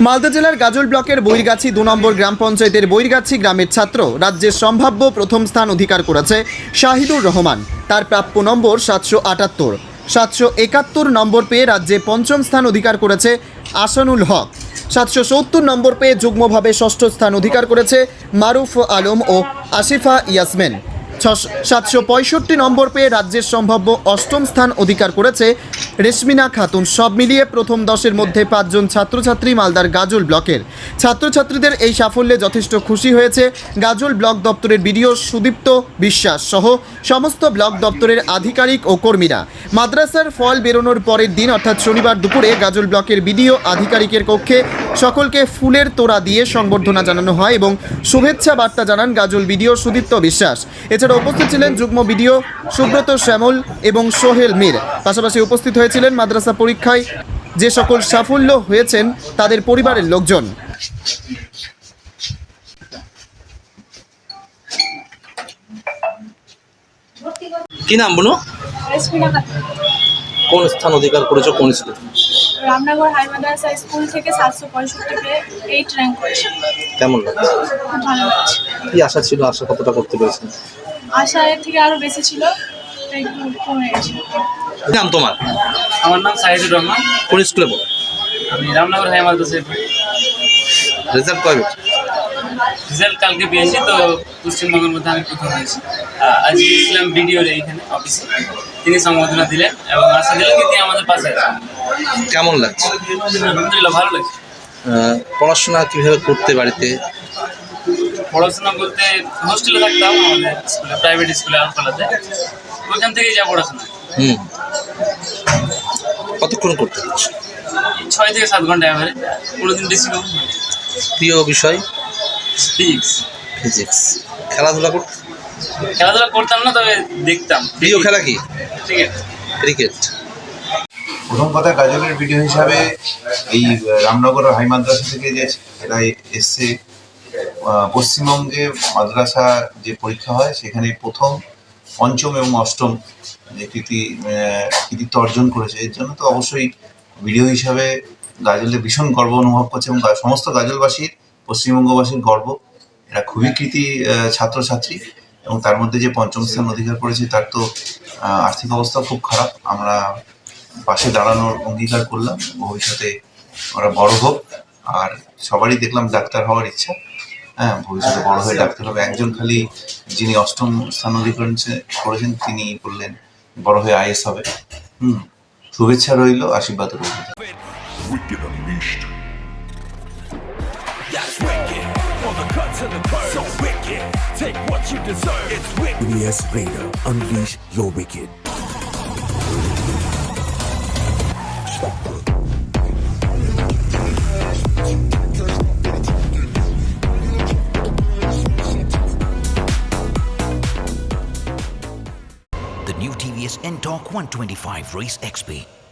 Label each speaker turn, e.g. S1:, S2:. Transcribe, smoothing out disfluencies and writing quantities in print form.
S1: মালদা জেলার গাজল ব্লকের বৈরগাছি ২ নম্বর গ্রাম পঞ্চায়েতের বৈরগাছি গ্রামের ছাত্র রাজ্যের সম্ভাব্য প্রথম স্থান অধিকার করেছে শাহিদুর রহমান। তার প্রাপ্য নম্বর ৭৭৮। ৭৭১ নম্বর পেয়ে রাজ্যে পঞ্চম স্থান অধিকার করেছে আসানুল হক। ৭৭০ নম্বর পেয়ে যুগ্মভাবে ষষ্ঠ স্থান অধিকার করেছে মারুফ আলম ও আসিফা ইয়াসমিন। ৭৬৫ নম্বর পেয়ে রাজ্যের সম্ভাব্য অষ্টম স্থান অধিকার করেছে রেশমিনা খাতুন। সব মিলিয়ে প্রথম ১০-এর মধ্যে ৫ জন ছাত্রছাত্রী মালদার গাজল ব্লকের। ছাত্রছাত্রীদের এই সাফল্যে যথেষ্ট খুশি হয়েছে গাজল ব্লক দপ্তরের বিডিও সুদীপ্ত বিশ্বাস সহ সমস্ত ব্লক দপ্তরের আধিকারিক ও কর্মীরা। মাদ্রাসার ফল বেরোনোর পরের দিন অর্থাৎ শনিবার দুপুরে গাজল ব্লকের বিডিও আধিকারিকের কক্ষে সকলকে ফুলের তোড়া দিয়ে সংবর্ধনা জানানো হয় এবং শুভেচ্ছা বার্তা জানান গাজল বিডিও সুদীপ্ত বিশ্বাস। এছাড়া উপস্থিত ছিলেন যুগ্ম বিডিও সুব্রত শ্যামল এবং সোহেল মীর। পাশাপাশি উপস্থিত হয়েছিলেন মাদ্রাসা পরীক্ষায় যে সকল সাফল্য হয়েছেন তাদের পরিবারের লোকজন।
S2: কি নাম বলো?
S3: রেশমিনা খাতুন।
S2: কোন স্থান অধিকার করেছো কোন স্কুলে?
S3: রামনগর হাই মাদ্রাসা স্কুল থেকে 765 পেয়ে 8 র্যাঙ্ক করেছি।
S2: কেমন লাগছে?
S3: খুব ভালো লাগছে।
S2: কি আশা ছিল, আশা কতটা করতে পেরেছেন?
S3: আশা এর থেকে আরো বেশি ছিল, তাই একটু কমে গেছে।
S2: কি নাম তোমার?
S4: আমার নাম সাইদুর রহমান।
S2: কোন স্কুলে পড়ো?
S4: আমি রামনগর হাই মাদ্রাসায় পড়ি।
S2: রেজাল্ট কবে?
S4: রেজাল্ট কালকে পেয়েছি, তো পশ্চিমবঙ্গের মধ্যে আমি প্রথম হয়েছি। আজ গিয়েছিলাম বিডিওর এইখানে অফিসে, তিনি সম্বোধনা দিলেন এবং আশা দিলেন কি তিনি আমাদের পাশে আছেন।
S2: কেমন লাগছে?
S4: আলহামদুলিল্লাহ ভালো লাগছে।
S2: পড়াশোনা কিভাবে করতে বাড়িতে?
S4: পড়াশোনা বলতে হোস্টেলে থাকতাম আমাদের স্কুলে, প্রাইভেট স্কুলে আলফালাতে, ওইখান থেকেই যা পড়াশোনা।
S2: কতক্ষণ করতে পারছো?
S4: 6 থেকে 7 ঘন্টা অ্যাভারেজ, কোনোদিন বেশি কম।
S2: প্রিয় বিষয়?
S4: ফিজিক্স।
S2: ফিজিক্স। খেলাধুলা করতে?
S4: খেলাধুলা করতাম না, তবে দেখতাম।
S2: প্রিয় খেলা কি?
S4: ক্রিকেট।
S2: ক্রিকেট।
S5: প্রথম কথা, গাজলের ভিডিও হিসাবে এই রামনগর হাই মাদ্রাসা থেকে যে এরা এসছে, পশ্চিমবঙ্গে মাদ্রাসা যে পরীক্ষা হয় সেখানে প্রথম, পঞ্চম এবং অষ্টম যে কৃতিত্ব অর্জন করেছে, এর জন্য তো অবশ্যই ভিডিও হিসাবে গাজলে ভীষণ গর্ব অনুভব করছে এবং সমস্ত গাজলবাসীর, পশ্চিমবঙ্গবাসীর গর্ব। এরা খুবই কৃতি ছাত্রছাত্রী এবং তার মধ্যে যে পঞ্চম স্থান অধিকার করেছে তার তো আর্থিক অবস্থা খুব খারাপ। আমরা পাশে দাঁড়ানোর অঙ্গীকার করলাম, ভবিষ্যতে ওরা বড় হোক। আর সবারই দেখলাম ডাক্তার হওয়ার ইচ্ছা। হ্যাঁ, ভবিষ্যতে বড় হয়ে ডাক্তার হবে। একজন খালি যিনি অষ্টম স্থান অধিকার করেছেন তিনি বললেন বড় হয়ে আইএস হবে। শুভেচ্ছা রইল, আশীর্বাদ রইল।
S6: Wicked Unleashed. That's wicked. For the cut to the curve. So wicked. Take what you deserve. It's wicked.
S7: Yes, Vader. Unleash your wicked.
S8: The new TVS N-Torque 125 Race XP.